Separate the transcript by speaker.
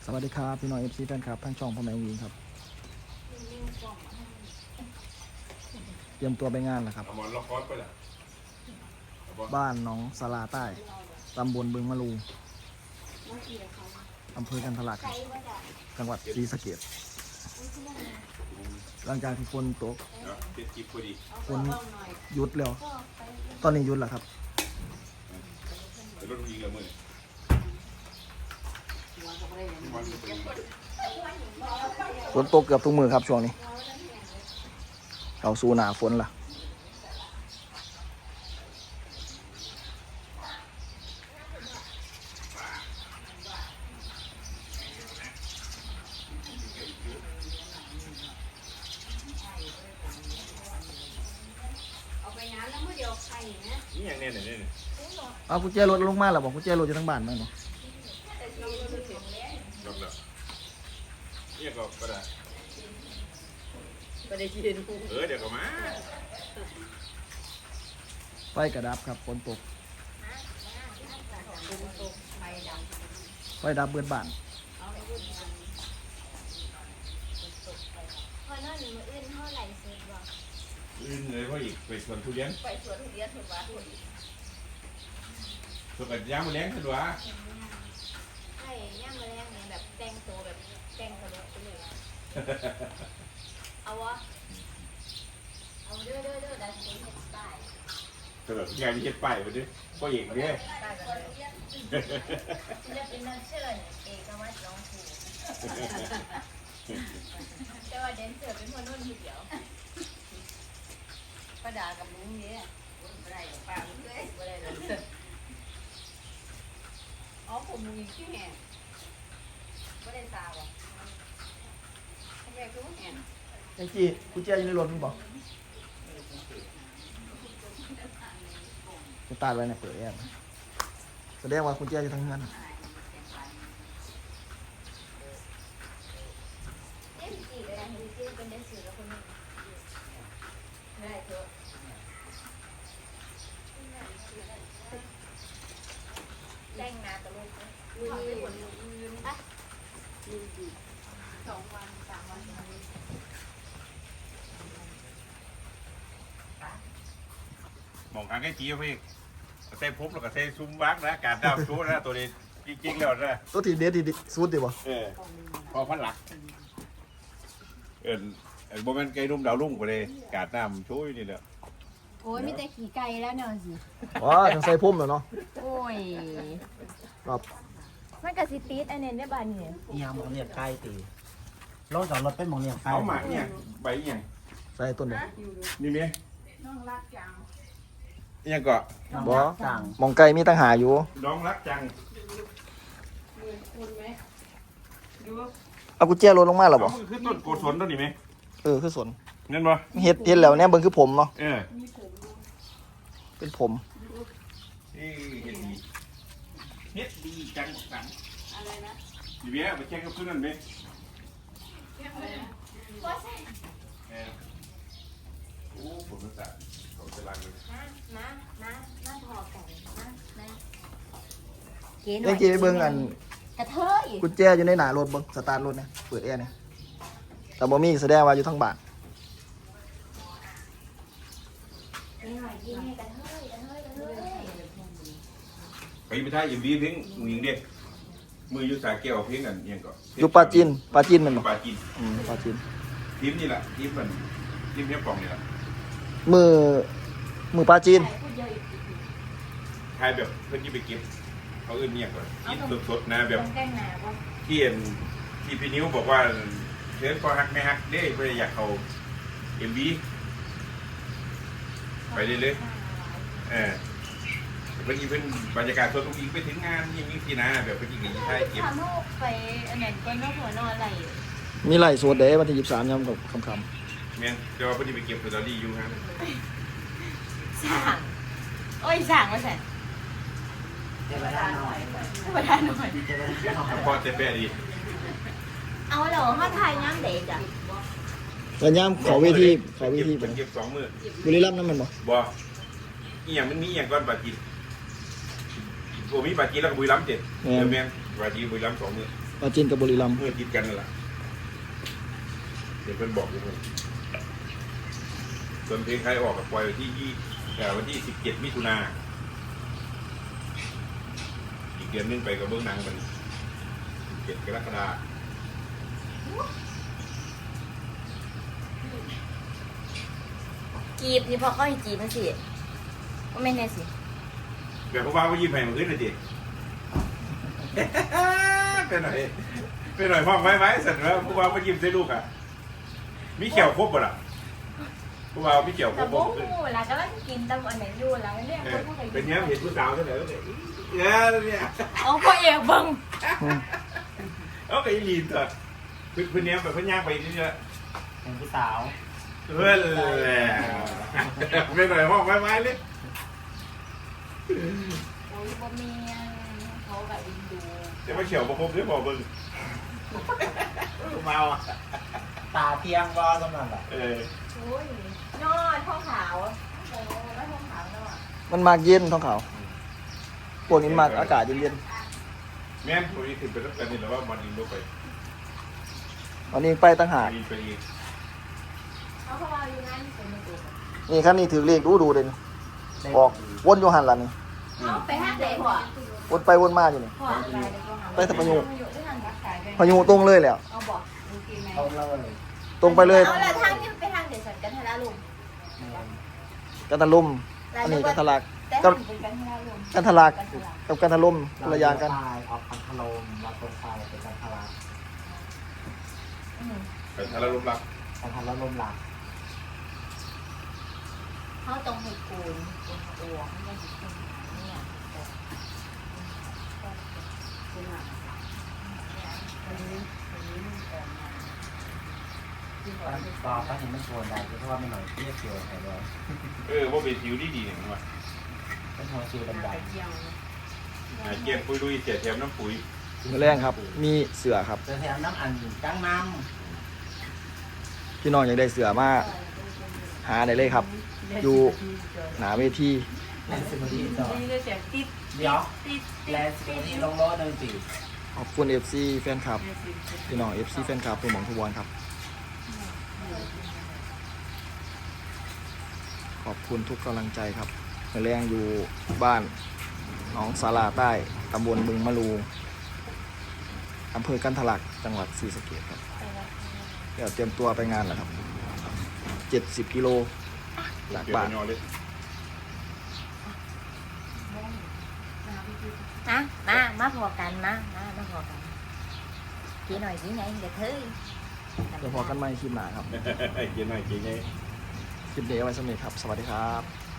Speaker 1: สวัสดีครับพี่น้องเอฟซีแฟนคลับทั้งช่องพ่อแม่วีครับเตรียมตัวไปงานแล้วครับบ้านหนองสลาใต้ตำบลบึงมะลูอำเภอกันทะลักจังหวัดศรีสะเกษหลังจากที่ฝนตกฝนหยุดแล้วตอนนี้หยุดแล้วครับฝนตกเกือบทุกมือครับช่วงนี้เข้าสู่หน้าฝนละ
Speaker 2: นี่อย่างเนี้ยเนี่ย
Speaker 1: เอากุญแจรถลงมาแล้วบอกกุญแจรถอยู่ทั้งบ้านไหมเนาะ
Speaker 2: ยกแล้วนี่ก็ได้
Speaker 3: ประเดี๋ยวยืน
Speaker 2: เดี๋ยวก็มา
Speaker 1: ไฟกระดับครับฝนตกไฟดับเบิดบ้าน
Speaker 4: พอนั่นมืออื่นเท่าไหร่เสร็จบ่
Speaker 2: อื่นเลยเพราะอีกไปสวนทุเรียน
Speaker 3: ไปสวนทุเรียนถูกปะ
Speaker 2: สวนกับยางมะแรงขึ้นวะ
Speaker 4: ใช่ย่างมาแรกเนี่ยแบบแต่งตัวแบบแต่งกระโดดไปเลยเอาวะเอาเด้อดันเป็นเห็ดป้าย
Speaker 2: สำหรับงานนี้เฮ็ดป้ายไปดิพ่อเอกเนี่ย
Speaker 4: ป้ายกันเลยศิลปินนักเชิญเอกวัตรร้องผูแต่ว่าแดนเซอร์เป็นคนนุ่นทีเดียว
Speaker 3: ป้าด่ากับลุงเนี่ยไม่ได้ป้าลุงเลยไม่ได้เลยอ๋อผมลุงอีกที่แห่ไม่ได้ตาว่ะทำไมคือแห่
Speaker 1: ไอ้จีกุญแจอยู่ในรถมึงบอกจะตายไว้ในเปิดแอร์แสดงว่ากุญแจอยู่ทั้งนั้น
Speaker 4: เอ๊ะจีเลยนะจีเป็นแดนเซอร์แล้วคนนึง
Speaker 3: ไม่ได้เถอะ
Speaker 4: แต่งหน้าตลกเลย
Speaker 3: ทำไปหมดยืนอ่ะยืนดี2 วัน 3 วัน
Speaker 2: มองทางใกล้จีพี่เต้ปุ๊บแล้วก็เต้ซุ้มวักนะการดาวชูนะตัวนี้จริงๆแล้วนะ
Speaker 1: ตัวที่เด็ดที่สุดดีบ่
Speaker 2: พอพันหลักโมเมนต์ไก่รุ่มดาวรุ่งไปเลยการน้ำช่วยนี่แหละ
Speaker 4: โอ้ยมีแต่ขี่ไก่แล้วเนาะสิ
Speaker 1: อ๋อทางใส่พุ่มแล้วเนาะ
Speaker 4: โอ้ย
Speaker 1: ครับ
Speaker 4: มันก็สิติดอันนี้ได้บ้านนี่
Speaker 5: อีหยังหมองเรียกไก่ตีรถจอดรถเป็นหมองเรียกไก่
Speaker 2: เอาหมากเนี่ยใบเนี่ย
Speaker 1: ใส่ต้นบ่
Speaker 2: นี่ไหม
Speaker 3: น้องรักจัง
Speaker 2: ยังก็
Speaker 1: บ่
Speaker 5: สั่ง
Speaker 1: หมองไก่มีตั้งหาอยู่
Speaker 2: น้องรักจัง
Speaker 3: มือคุณไหมดู
Speaker 1: เอากุญแจรถลงมาแล้วบ่
Speaker 2: มันคือต้นโกศลต้นนี้ไหม
Speaker 1: คือสน
Speaker 2: นั่นบ่
Speaker 1: เฮ็ดแล้วเนี่ยเบิ่งคือผมเนาะ
Speaker 3: มีผมดู
Speaker 1: เป็นผม
Speaker 2: เฮ็ดดีเฮ็ดดีจังสัง
Speaker 3: อะไรนะ
Speaker 2: ดีเบี้ยไปแข่งกับเพื่อนนั่นไหม
Speaker 3: อะไรนะ
Speaker 2: โอ้ผมรู้จักเขาจะรังเลย
Speaker 4: มาพอกันมาเก๋หน่
Speaker 1: ไอ้
Speaker 4: อย
Speaker 1: จีไปเบิ่งอัน
Speaker 4: กระเทย
Speaker 1: กุญแจอยู่ในหน้ารถเบิ่งสตาร์ทรถเนี่ยเปิดแอร์เนี่ยแต่บ่มีแสดงว่าอยู่ทั้งบ้าน
Speaker 4: เก๋หน่อยกินให้กระเทย
Speaker 2: ไปท่ายิมดีเพลงยิงเด็กมืออยู่สาแก้วเพลงกันยังก็
Speaker 1: อยู่ปราจีนแม่นบ่
Speaker 2: ปลาจีน
Speaker 1: ปราจีน
Speaker 2: ทีมนี่แหละทีมมันทีมเนี้ยปองนี่แหละ
Speaker 1: มือปราจีน
Speaker 2: ทายแบบเพื่อนที่ไปเก็บเขาอื่นเนี่ยก่อนกินสดๆนะแบบ
Speaker 4: แต่งหน้าบ่
Speaker 2: ที่เห็นที่พี่นิ้วบอกว่าเชิญพอฮักไม่ฮักเด้เพื่ออยากเขาMVไปเรื่อยๆเพื่อนอีเพื่อนบรรยากาศสดทุกอีกไปถึงงานยังมีที่นาแบบเพื่อนอีกอย่างนี้ใช่เก็บ
Speaker 4: ทำลูกไปอันนั้นก็นอกหัวนอนอะไร
Speaker 1: มีไล่สวดเด้วันที่23ยามกับค่ำ
Speaker 2: แม่นเดี๋ยวว่าเพื่อนที่ไปเก็บสตอรี่อยู่ครับ
Speaker 4: สั่งโอ้ยสั่งมาใส่
Speaker 5: เทวดาหน่อย
Speaker 4: ธรรมดาหน่อย
Speaker 5: เทวดาหน่อย
Speaker 2: พอเจ็บแปะดี
Speaker 4: เอาเหรอเขาทายย้ำเด็กอ่ะ
Speaker 1: ๆแล้วยามเขาเวทีไป
Speaker 2: เก็บ2 มื้อ
Speaker 1: บุรีรัมย์นั่นแม่นบ่
Speaker 2: บ่อีหยังมันมีอีหยังก่อนปาจีนโอ้มีปาจีนแล้วก็บุรีรัมย์7แม่นปาจีนบุรีรัมย์2 มื้อ
Speaker 1: ปราจีนกับบุรีรัมย์
Speaker 2: เมื่อติดกันนั่นแหละเดี๋ยวเพิ่นบอกอยู่เลยส่วนเพลงใครออกกับปล่อยวันที่17 มิถุนาอีกเดือนนึงไปกับเบื้องหนังกัน17 กรกฎาคม
Speaker 4: จีบนี่พอเขาให้จีบมันสิว่าไม่แน่สิ
Speaker 2: แบบผู้บ่าวก็ยิ้มให้มันขึ้นเลยจิ ไปหน่อยห้องไว้เสร็จแล้วผู้บ่าวก็ยิ้มใส่ลูกอ่ะมีเขียวครบบ่ล่ะผู้บ่าวมีเขียวคร
Speaker 4: แต่
Speaker 2: บ
Speaker 4: บุ้
Speaker 2: บ่
Speaker 4: งเวลาก็ต้องกินตำอันไหนอยู่แล้วเนี่ยคนพวก
Speaker 2: เป็นเนี้ยเห็นผู้สาวเท่าไหร่ก็เลยเนี่ย
Speaker 4: เอาพ่อเอกเบิ่ง
Speaker 2: เอาไปลีนเถอะเพื่อนเนี้ยแบบเพื่อนย่างไปนี่เนี่ย
Speaker 5: เป็นผู้สาว
Speaker 2: เพื่อนแหละไปหน่อยห้องไว้เลย
Speaker 4: โอ้ยบ่มีเขาแบบอินดู
Speaker 2: จะมาเขียวประคบด้วยบอกมึงเมาอ่ะ
Speaker 5: ตาเทียงบ่สำนักอ่ะ
Speaker 2: โ
Speaker 4: อ้ยนอนท้องขาวโอ้แล้วท้องขาวนอน
Speaker 1: มันมากเย็นท้องขาวพวกนี้มากอากาศเย็น
Speaker 2: แม่นพอดีถึงไปต้องการนี่แหละว่ามันอินโดไป
Speaker 1: ๆวันนี้ไปตั้งหาก
Speaker 2: ไปอีก
Speaker 4: เขาเพราะว่าอยู่นั่นเป็นมือตัว
Speaker 1: นี่คันนี้ถือเลขดูเลยนี่ออกวนอยู่หันหลังนี่
Speaker 4: เขาไปห้างเด็กหัว
Speaker 1: วนไปวนมาอยู่นี่
Speaker 4: หัวอะไรเด็กหัว
Speaker 1: ไปทางพายุ
Speaker 4: ที่ทางรักษา
Speaker 1: พายุตรงเลยแหล้ว
Speaker 4: เอาบอก
Speaker 5: เอาเลย
Speaker 1: ตรงไปเลย
Speaker 4: เอาละทางที่ไปทางเด็กสันกันทาราลุม
Speaker 1: กันทะลุมอันนี้กันทะลัก
Speaker 4: แต่ทางเป็นกันทาราลุม
Speaker 1: กันทะลักกับกันทะลุมคนละอย่างกัน
Speaker 5: ตายออกพันธลมเราตรงไปเป็นกันทารา
Speaker 2: แต่ถ้าเราล้มรัก
Speaker 5: กันทาราลมหลัก
Speaker 4: เขาตรงให้กูนเป็นตัวไม่ได้เป็นเนี่ย
Speaker 5: ต่อไปเห็นมันชวนได้เพราะว่าไม่หน่อยเทียบเกี่ยวอะไรเลย
Speaker 2: ว่าเป็นผิวดีๆเนี่ยมั้ง
Speaker 5: เป็นหัวชิวดำ
Speaker 2: เกี่ยงปุยลุยเสียแถมน้ำปุ๋ย
Speaker 1: มื้อแรงครับ มีเสือครับ
Speaker 5: ๆจะแถมน้ำอันกลางน้
Speaker 1: พี่น้องอยากได้เสือมาหาได้เลยครับ อยู่หนาเวที
Speaker 5: ำแลนซิมดีต่อ
Speaker 3: นี่ก็เสียงติด
Speaker 5: เดี๋ยว
Speaker 3: ติด
Speaker 5: แลนซิมดีลงรถหนึ่งตี
Speaker 1: ขอบคุณ FC แฟนคลับพี่น้อง FC แฟนคลับทุกหม่องทุกวันครับ ขอบคุณทุกกำลังใจครับมื้อแรงอยู่บ้านหนองสาลาใต้ตำบลบึงมะลูอำเภอกันทะลักจังหวัดศรีสะเกษครับเดี๋ยวเตรียมตัวไปงานแล้วครับ70 กิโลจากบ้าน
Speaker 2: เลย
Speaker 4: นะมาพอกันมาพอกันกี่หน่อยกี่ไงเดี๋ยวเฮ้ย
Speaker 1: เดี๋ยวพอกันใหม่คลิปหน้าครับ
Speaker 2: เกี่ยงหน่อยเกี่ยงไง
Speaker 1: คลิปนี้เอาไว้สำเร็จครับ สวัสดีครับ